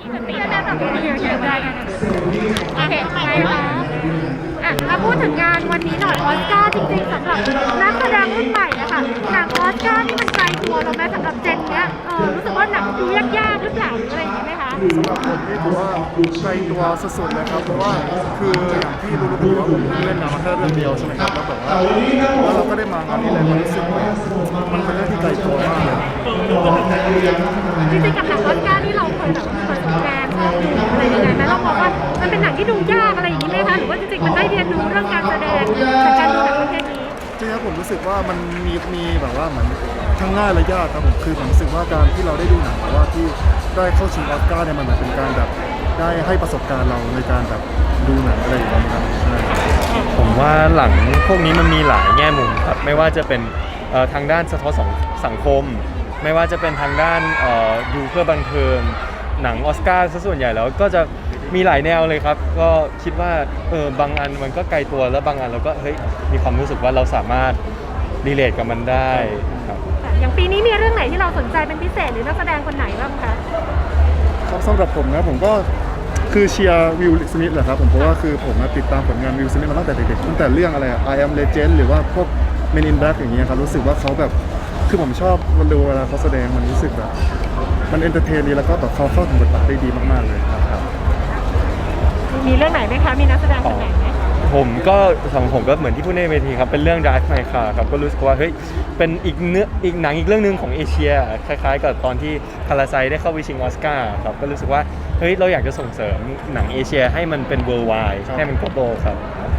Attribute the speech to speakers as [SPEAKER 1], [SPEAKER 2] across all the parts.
[SPEAKER 1] มันตีได้แบบนี้ได้โอเคไปค่ะมาพูดถึงงานวันนี้หน่อยออสการ์จริงๆสำหรับนักแสดงรุ่นใหม่นะคะหนังออสการ์นี่มันไกลตัวเราไหมสำหรับเจนเนี้ยรู้สึกว่าหนังดูยากๆหรือเปล่าหรืออะไรอย่างนี้ไหมคะ
[SPEAKER 2] สำหรับผมนี่ถือว่าไกลตัวสุดๆเลยครับเพราะว่าคืออย่างที่รู้ๆว่าผมเล่นหนังมาแค่เรื่องเดียวใช่ไหมครับแล้วแบบว่าแล้วเราก็ได้มางานนี้เลยมันรู้สึกว่ามันเป็นเรื่องที่ไกลตัวมากเลย
[SPEAKER 1] จริงๆกับหนังออสการ์นี่เราเคยแบบเปิดแกนชอบดูอะไรยังไงไหมเราบอกว่ามันเป็นหนังที่ดูยากอะไรอย่างนี้ไหมคะหรือว่าจริงๆมันได้เรียนรู้เรื่องการแสดงจากการดูหนังประเภทนี้
[SPEAKER 2] จริงๆผมรู้สึกว่ามันมีแบบว่าเหมือนทั้งง่ายและยากครับผมคือผมรู้สึกว่าการที่เราได้ดูหนังว่าที่ได้เข้าชิงออสการ์เนี่ยมันเป็นการแบบได้ให้ประสบการณ์เราในการแบบดูหนังอะไรอย่างเงี้ยครับ
[SPEAKER 3] ผมว่าหลังพวกนี้มันมีหลายแง่มุมครับไม่ว่าจะเป็นทางด้านสะท้อนสังคมไม่ว่าจะเป็นทางด้านดูเพื่อบันเทิงหนังออสการ์ซะส่วนใหญ่แล้วก็จะมีหลายแนวเลยครับก็คิดว่าบางอันมันก็ไกลตัวแล้วบางอันเราก็เฮ้ยมีความรู้สึกว่าเราสามารถรีเลทกับมันได้ครับ
[SPEAKER 1] อย่างปีนี้มีเรื่องไหนที่เราสนใจเป็นพิเศษหรือนักแสดงคนไหนบ้างคะ
[SPEAKER 2] ครับสำหรับผมนะผมก็คือเชียร์วิลสมิธแหละครับผมเพราะว่าคือผมติดตามผลงานวิลสมิธมาตั้งแต่เด็กๆตั้งแต่เรื่องอะไรI Am Legend หรือว่าพวก Men in Black อย่างเงี้ยครับรู้สึกว่าเขาแบบคือผมชอบดูเวลาเขาแสดงมันรู้สึกแบบมันเอนเตอร์เทนดีแล้วก็แบบเขาเข้าถึงบทบาทได้ดีมากๆเลยครับ
[SPEAKER 1] มีเรื่องไหนไหมคะมีนักแสดงคนไหนไหม
[SPEAKER 3] ผมก็สำหรับผมก็เหมือนที่พูดในเวทีครับเป็นเรื่อง Drive My Car ครับก็รู้สึกว่าเฮ้ยเป็นอีกหนังอีกเรื่องนึงของเอเชียคล้ายๆกับตอนที่พาราไซได้เข้าไปชิงออสการ์ครับก็รู้สึกว่าเฮ้ยเราอยากจะส่งเสริมหนังเอเชียให้มันเป็น worldwide ให้มัน global ครับ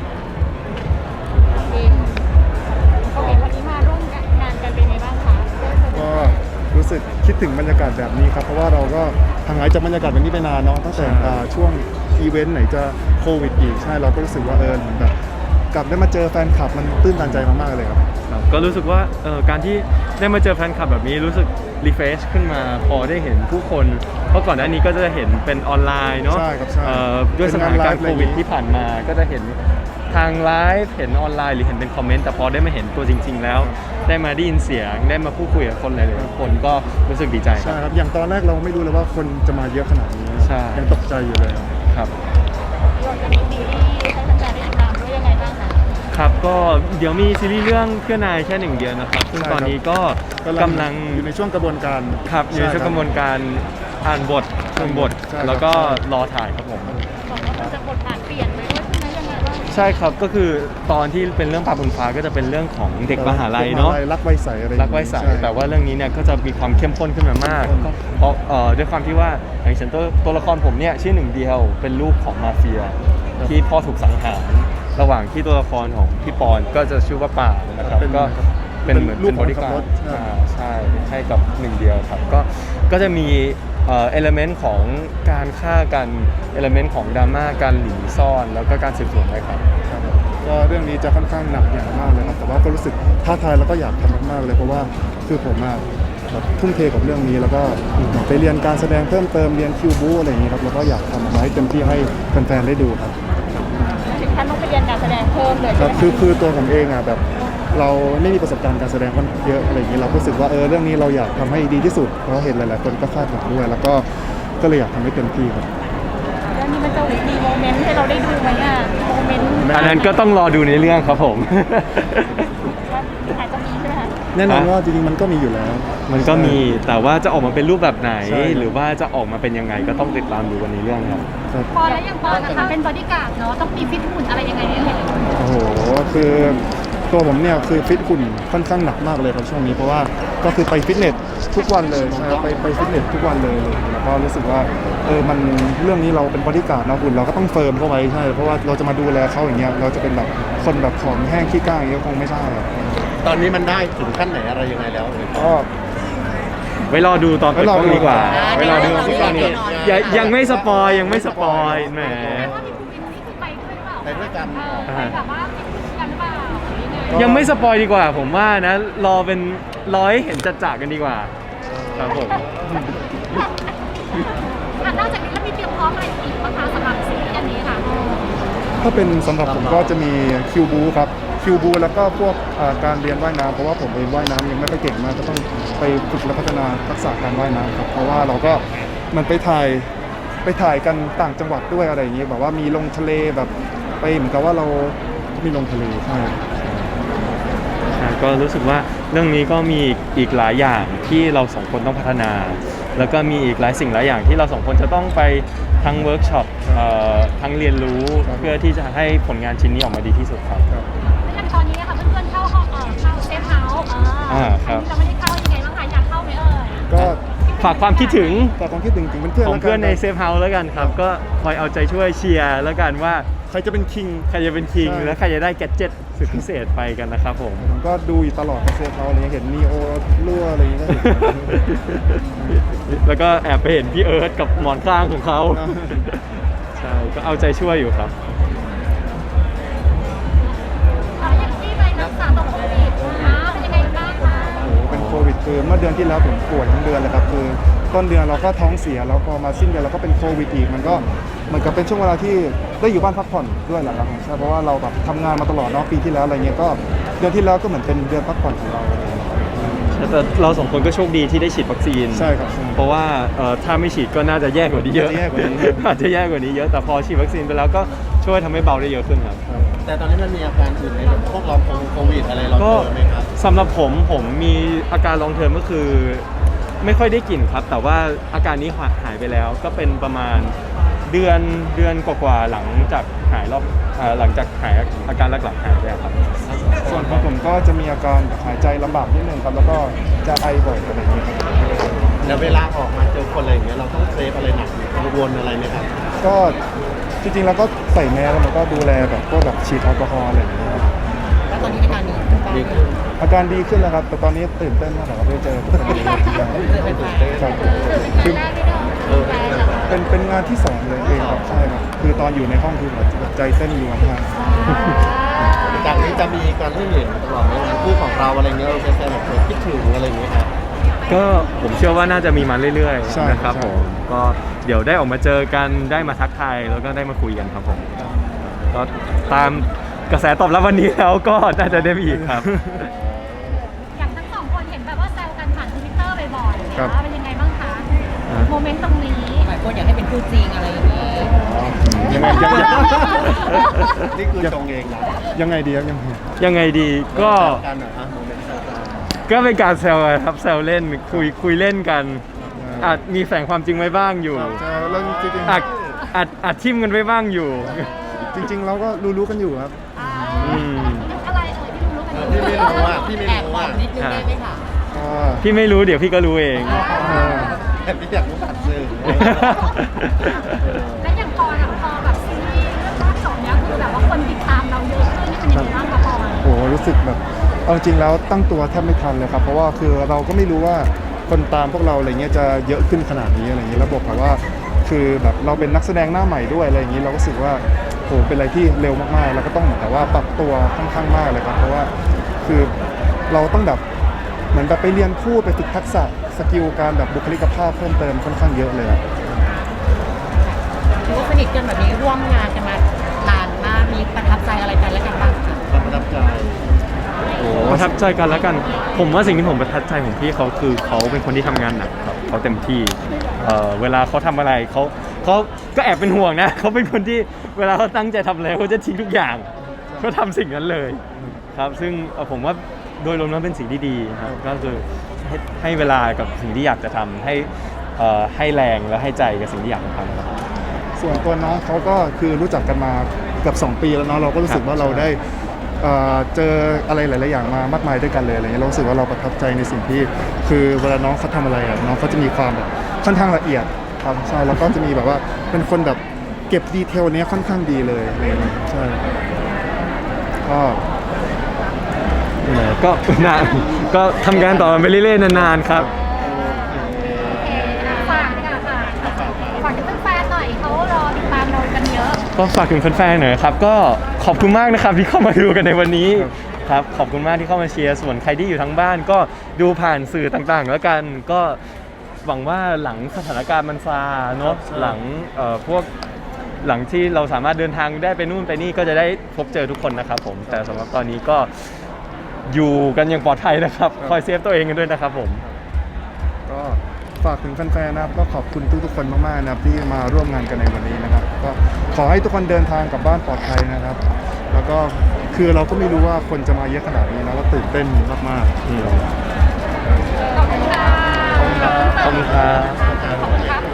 [SPEAKER 1] โอเควันนี้มาร่วมงานกันเป็นไงบ้างคะ
[SPEAKER 2] ก็รู้สึกคิดถึงบรรยากาศแบบนี้ครับเพราะว่าเราก็ห่างหายจากบรรยากาศแบบนี้ไปนานเนาะตั้งแต่ช่วงอีเวนต์ไหนจะโควิดอีกใช่เราก็รู้สึกว่าแบบกลับได้มาเจอแฟนคลับมันตื้นตันใจมากๆเลยครับ
[SPEAKER 3] ก็รู้สึกว่าการที่ได้มาเจอแฟนคลับแบบนี้รู้สึกรีเฟรชขึ้นมาพอได้เห็นผู้คนเพราะก่อนหน้านี้ก็จะเห็นเป็นออนไลน์เนาะด้วยสถานการณ์โควิดที่ผ่านมาก็จะเห็นทางไลฟ์เห็นออนไลน์หรือเห็นเป็นคอมเมนต์แต่พอได้มาเห็นตัวจริงๆแล้วได้มาได้ยินเสียงได้มาพูดคุยกับคนหลายๆคนก็รู้สึกดีใจ
[SPEAKER 2] ใช่ครับอย่างตอนแรกเราไม่รู้เลยว่าคนจะมาเยอะขนาดนี้ยังตกใจอยู่เลย
[SPEAKER 3] ครับ
[SPEAKER 1] เราจะมีซีรีส์ให้แฟนๆได้ติดตามด้วยยังไงบ้างคะ
[SPEAKER 3] ครับก็เดี๋ยวมีซีรีส์เรื่องเพื่อนายแค่หนึ่งเดียวนะครับซึ่งตอนนี้ก็กำลัง
[SPEAKER 2] อยู่ในช่วงกระบวนการ
[SPEAKER 3] ครับอยู่ในช่วงกระบวนการอ่านบทฟังบทแล้วก็รอถ่ายครับผม
[SPEAKER 1] บอกว่ามันจะบทบาทเปลี่ยนไปด้วยใช่ไหมยังไงบ้าง
[SPEAKER 3] ใช่ครับก็คือตอนที่เป็นเรื่องปลาบนฟ้าก็จะเป็นเรื่องของเด็กมหาลัยเนาะ
[SPEAKER 2] รักไวใสอะไร
[SPEAKER 3] รักไวใสแต่ว่าเรื่องนี้เนี่ยก็จะมีความเข้มข้นขึ้นมามากเพราะด้วยความที่ว่าอย่างเช่นตัวละครผมเนี่ยชื่อหนึ่งเดียวเป็นลูกของมาเฟียที่พ่อถูกสังหารระหว่างที่ตัวละครของพี่ปอนก็จะชื่อว่าป่านะครับก็เป็นเหมือนเป็นบริการใช่ให้กับหนึ่งเดียวครับก็จะมีเอลเมนต์ของการฆ่ากันเอลเมนต์ของดราม่าการหลีซ่อนแล้วก็การสืบสวนด้วยครับ
[SPEAKER 2] ก็เรื่องนี้จะค่อนข้างหนักอย่างมากเลยครับแต่ว่าก็รู้สึกท้าทายแล้วก็อยากทำมากๆเลยเพราะว่าคือผมทุ่มเทกับเรื่องนี้แล้วก็ไปเรียนการแสดงเพิ่มเติมเรียนคิวบูอะไรอย่างนี้ครับแล้วก็อยากทำออกมาให้เต็มที่ให้แฟนๆได้ดูครับ
[SPEAKER 1] ถึงขั้นต้องไปเรียนการแสดงเพิ่มเลย
[SPEAKER 2] ครับคือตัวผมเองแบบเราไม่มีประสบการณ์การแสดงค่อนเยอะอะไรอย่างนี้เรารู้สึกว่าเรื่องนี้เราอยากทำให้ดีที่สุดเพราะเห็นหลายๆคนก็คาดหวังด้วยแล้วก็เลยอยากทำให้เต็มที่ครับ
[SPEAKER 1] เรื่องนี้มันจะมีโมเมนต์ให้เราได้ดูไหมโมเมนต์
[SPEAKER 3] อันนั้นก็ต้องรอดูในเรื่องครับผม
[SPEAKER 1] อาจจะมีใช่ไหมคะ
[SPEAKER 2] แน่นอนว่าจริงๆมันก็มีอยู่แล้ว
[SPEAKER 3] มันก็มีแต่ว่าจะออกมาเป็นรูปแบบไหนหรือว่าจะออกมาเป็นยังไงก็ต้องติดตามดูวันนี้เรื่องครับ
[SPEAKER 1] พอแล้วยังพอนะคะเป็นบอดี้การ์ดเนาะต้องมีฟิตหุ่นอะไรยังไงเนี่ย
[SPEAKER 2] โอ้โหคือตัวผมเนี่ยคือฟิตหุ่นค่อนข้างหนักมากเลยครับช่วงนี้เพราะว่าก็คือไปฟิตเนสทุกวันเลยใช่ไปฟิตเนสทุกวันเลยแล้วก็รู้สึกว่ามันเรื่องนี้เราเป็นบอดี้การ์ดนะหุ่นเราก็ต้องเฟิร์มเข้าไว้ใช่เพราะว่าเราจะมาดูแลเขาอย่างเงี้ยเราจะเป็นแบบคนแบบผอมแห้งขี้ก้างอย่างเงี้ยคงไม่ใช่
[SPEAKER 4] ตอนนี้มันได้ถึงขั้นไหนอะไรยังไงแล้ว
[SPEAKER 2] ก็
[SPEAKER 3] ไว้รอดูตอนเปิดกล้องดีกว่าไว้รอดูตอนนี้ยังไม่สปอยแหม
[SPEAKER 1] ว่ามีภูมินี่คือไปด้วยหรือเปล่า
[SPEAKER 4] ไปด้วยกัน
[SPEAKER 1] ไปแบบว่ากันหรือเปล่า
[SPEAKER 3] ยังไม่สปอยดีกว่าผมว่านะรอเป็นให้เห็นจัดกันดีกว่าครับผม
[SPEAKER 1] นอกจากนี้แล้วมีเตรียมพร้อมอะไรอีกบ้างคะสำหรับซีรีส์อันนี้ค่ะ
[SPEAKER 2] ถ้าเป็นสำหรับผมก็จะมีคิวบูครับคิวบูแล้วก็พวกการเรียนว่ายน้ำเพราะว่าผมเองว่ายน้ำยังไม่ค่อยเก่งมากก็ต้องไปฝึกและพัฒนาทักษะการว่ายน้ำครับเพราะว่าเราก็มันไปถ่ายไปถ่ายกันต่างจังหวัดด้วยอะไรอย่างเงี้ยแบบว่ามีลงทะเลแบบไปเหมือนกับว่าเรามีลงทะเลใช่
[SPEAKER 3] ก็รู้สึกว่าเรื่องนี้ก็มีอีกหลายอย่างที่เราสองคนต้องพัฒนา แล้วก็มีอีกหลายสิ่งหลายอย่างที่เราสองคนจะต้องไปทั้งเวิร์กช็อปทั้งเรียนรู้เพื่อที่จะให้ผลงานชิ้นนี้ออกมาดีที่สุดครับ
[SPEAKER 1] แล้วอย่างตอนนี้ค่ะเพื่อนๆเข้าห้องเข้าเซฟเฮาส์
[SPEAKER 3] ครับ
[SPEAKER 1] เราไม่ได้เข้ายังไงบ้างคะอยากเข้าไหมเอ่ย
[SPEAKER 2] ก็
[SPEAKER 3] ฝากความคิดถึง
[SPEAKER 2] ฝากความคิดถึงเพื่อนๆ
[SPEAKER 3] ของเพื่อนใน
[SPEAKER 2] แล้วกั
[SPEAKER 3] เซฟเฮาส์แล้วกันครับ ก็คอยเอาใจช่วยเชียร์แล้วกันว่า
[SPEAKER 2] ใครจะเป็นคิง
[SPEAKER 3] ใครจะเป็นคิง
[SPEAKER 2] ใช่
[SPEAKER 3] และใครจะได้แกดเจ็ตสุดพิเศษไปกันนะครับผม
[SPEAKER 2] ผมก็ดูอยู่ตลอดในเซฟเขาอะไรเงี้ยเห็นนีโอรั่วอะไรอย่างเงี้ยก็เห็น
[SPEAKER 3] แล้วก็แอบไปเห็นพี่เอิร์ธกับหมอนข้างของเขา
[SPEAKER 2] นะ
[SPEAKER 3] ใช่ ก็เอาใจช่วยอยู่ครับ
[SPEAKER 1] อย่างที่ไปรักษาตัวโควิดเป็นยังไงบ้างคะ
[SPEAKER 2] โอ้โหเป็นโควิดคือเมื่อเดือนที่แล้วผมป่วยทั้งเดือนเลยครับคือต้นเดือนเราก็ท้องเสียแล้วพอมาสิ้นเดือนเราก็เป็นโควิดอีกมันก็เหมือนกับเป็นช่วงเวลาที่ได้อยู่บ้านพักผ่อนด้วยแหละครับใช่เพราะว่าเราแบบทำงานมาตลอดเนาะปีที่แล้วอะไรเงี้ยก็เดือนที่แล้วก็เหมือนเป็นเดือนพักผ่อนของเราอะไรเงี้ย
[SPEAKER 3] แต่เราสองคนก็โชคดีที่ได้ฉีดวัคซีน
[SPEAKER 2] ใช่ครับใช่
[SPEAKER 3] เพราะว่าถ้าไม่ฉีดก็น่าจะแย่กว่านี้เยอะ
[SPEAKER 2] อาจจะแย่กว่านี้
[SPEAKER 3] อาจจะแย่กว่านี้เยอะ แต่พอฉีดวัคซีนไปแล้วก็ช่วยทำให้เบาได้เยอะขึ้นครับ
[SPEAKER 4] แต่ตอนนี้มันมีอาการอื่นไหมแบบพวกลองโควิดอะไรเรา
[SPEAKER 3] ก็
[SPEAKER 4] เจอไหมครับ
[SPEAKER 3] สำหรับผมมีอาการลองเทอมก็คือไม่ค่อยได้กลิ่นครับ แต่ว่าอาการนี้หายไปแล้วก็เป็นประมาณเดือนกว่าๆหลังจากหายหลังจากหายอาการหลักๆหายไปครับ
[SPEAKER 2] ส่วนของผมก็จะมีอาการหายใจลำบากนิดนึงครับแล้วก็จะไอบ่อยอะไรอย่างเงี้ย
[SPEAKER 4] แล้วเวลาออกมาเจอคนอะไรอย่างเงี้ยเราต้องเซฟอะไรหนักกังวลอะไรไหมครับ
[SPEAKER 2] ก็จริงๆแล้วก็ใส่แมสแล้วมันก็ดูแลแบบพวกแบบฉีดแอลกอฮอล์อะไรอย่างเงี้ยครับ
[SPEAKER 5] แล้วตอนนี้อาการดีขึ้นบ้าง
[SPEAKER 4] ดี
[SPEAKER 5] ไหม
[SPEAKER 4] ขึ้น
[SPEAKER 2] อาการดีขึ้นแล้วครับแต่ตอนนี้ตื่นเต้นมากครับได้เจอคนดีครับ
[SPEAKER 1] คือเป็นงานแรกที่เราแฟนเรา
[SPEAKER 2] เป็นงานที่สองเลยเองครับใช่ครับคือตอนอยู่ในห้องคือแบบใจเต้นรัวมาก
[SPEAKER 4] จากนี้จะมีการให้เห็นตลอดไหมงานคู่ของเราอะไรเงี้ยเราจะแซวแบบคิดถึงอะไรอย่างเงี้ยครับ
[SPEAKER 3] ก็ผมเชื่อว่าน่าจะมีมาเรื่อย
[SPEAKER 2] ใช่
[SPEAKER 3] ๆนะครับ
[SPEAKER 2] ใช่
[SPEAKER 3] ผมก็เดี๋ยวได้ออกมาเจอกันได้มาทักทายแล้วก็ได้มาคุยกันครับผมก็ตามกระแสตอบรับวันนี้แล้วก็น่าจะได้มีอีกครับ
[SPEAKER 1] อย่างทั้งสองคนเห็นแบบว่าแซวกันผ่านทวิตเตอร์บ่อยๆ
[SPEAKER 2] ครับ
[SPEAKER 1] นะคะเป็นยังไงบ้างคะโมเมนต์ตรงนี้
[SPEAKER 5] หลายคนอยากให้เป็นคู่จริงอะไรอย่างนี้
[SPEAKER 2] ยังไงยังไง
[SPEAKER 4] นี่คือตรงเองนะ
[SPEAKER 2] ยังไงดีครับยังไง
[SPEAKER 3] ยังไงดีก็
[SPEAKER 4] การเหรอฮะโมเมนต์แซวกัน
[SPEAKER 3] ก็เป็นการแซวกันครับแซวเล่นคุยเล่นกันอาจมีแฝงความจริงไว้บ้างอยู่
[SPEAKER 2] ใช่เรื่องจริง
[SPEAKER 3] อาจทิมกันไว้บ้างอยู่
[SPEAKER 2] ๆจริง ๆ เราก็รู้กันอยู่ครับ
[SPEAKER 3] อืม
[SPEAKER 1] อะไรเอ่ยที่รู้กันอยู่
[SPEAKER 4] พี่ไม่รู้ว่าพี่ไม่
[SPEAKER 5] แอบ
[SPEAKER 4] รู้
[SPEAKER 5] บอ
[SPEAKER 4] ว่าก
[SPEAKER 5] นิดนึงได้ไหมคะ
[SPEAKER 2] ก็
[SPEAKER 3] พี่ไม่รู้เดี๋ยวพี่ก็รู้เอง
[SPEAKER 4] แต่พี่อยากรู้ผ่านสื่อ
[SPEAKER 1] และอย่างพอแบบซีรีส์เรื่องล่าสุดเนี้ยคือแบบว่าคนติดตามเราเยอะขึ้นนี่เป็นยังไงบ้างคะพอ
[SPEAKER 2] โอ้โหรู้สึกแบบเอาจริงแล้วตั้งตัวแทบไม่ทันเลยครับเพราะว่าคือเราก็ไม่รู้ว่าคนตามพวกเราอะไรเงี้ยจะเยอะขึ้นขนาดนี้อะไรเงี้ยแล้วบอกกับว่าคือแบบเราเป็นนักแสดงหน้าใหม่ด้วยอะไรอย่างนี้เราก็รู้สึกว่าโหเป็นอะไรที่เร็วมากๆแล้วก็ต้องเหมือนกับว่าปรับตัวค่อนข้างมากเลยครับเพราะว่าคือเราต้องแบบเหมือนแบบไปเรียนพูดไปฝึกทักษะสกิลการแบบบุคลิกภาพเพิ่มเติมค่อนข้างเยอะเลยครับ
[SPEAKER 5] ถือว่าสนิทกันแบบนี้ร่วมงานกันมานานมากมีประทับใจอะไรกันและกันบ้างคะ
[SPEAKER 4] ความประทับใจ
[SPEAKER 3] ประทับใจกันแล้วกัน ผมว่าสิ่งที่ผมประทับใจของพี่เขาคือเขาเป็นคนที่ทำงานหนักครับเขาเต็มที่เวลาเขาทำอะไรเขาก็แอบเป็นห่วงนะเขาเป็นคนที่เวลาเขาตั้งใจทำอะไรเขาจะทิ้งทุกอย่างเขาทำสิ่งนั้นเลยครับซึ่งผมว่าโดยรวมแล้วเป็นสิ่งที่ดีครับก็คือให้เวลากับสิ่งที่อยากจะทำให้แรงและให้ใจกับสิ่งที่อยากจะทำครับ
[SPEAKER 2] ส่วนตัวน้องเขาก็คือรู้จักกันมาเกือบ2 ปีแล้วเนาะเราก็รู้สึกว่าเราได้เจออะไรหลาย ๆ อย่างมามากมายด้วยกันเลยอะไรเงี้ยเรารู้สึกว่าเราประทับใจในสิ่งที่คือเวลาน้องเขาทำอะไรอะน้องเขาจะมีความแบบค่อนข้างละเอียดครับใช่แล้วก็จะมีแบบว่าเป็นคนแบบเก็บดีเทลเนี้ยค่อนข้างดีเลยอะไรเงี้ยใช่ก็
[SPEAKER 3] ก็นานก็ทำงานต่อไปเรื่อยๆนานๆครับ
[SPEAKER 1] ฝากดีกว่าค่ะฝากถึงแฟนๆหน่อยเขารอติดตามเรากันเยอะ
[SPEAKER 3] ก็ฝากถึงแฟนๆหน่อยครับก็ขอบคุณมากนะครับที่เข้ามาดูกันในวันนี้ครับขอบคุณมากที่เข้ามาเชียร์ส่วนใครที่อยู่ทั้งบ้านก็ดูผ่านสื่อต่างๆ แล้วกันก็หวังว่าหลังสถานการณ์มันซาเนาะหลังพวกหลังที่เราสามารถเดินทางได้ไปนู่นไปนี่ก็จะได้พบเจอทุกคนนะครับผมแต่สำหรับตอนนี้ก็อยู่กันอย่างปลอดภัยนะครับคอยเซฟตัวเองกันด้วยนะครับผม
[SPEAKER 2] ก็ฝากถึงแฟนๆนะครับก็ขอบคุณทุกๆคนมากๆนะครับที่มาร่วมงานกันในวันนี้นะครับก็ขอให้ทุกคนเดินทางกลับบ้านปลอดภัยนะครับ แล้วก็คือเราก็ไม่รู้ว่าคนจะมาเยอะขนาดนี้นะก็ตื่นเต้นมากๆ
[SPEAKER 3] ขอบคุณครับ
[SPEAKER 1] ขอบคุณครับ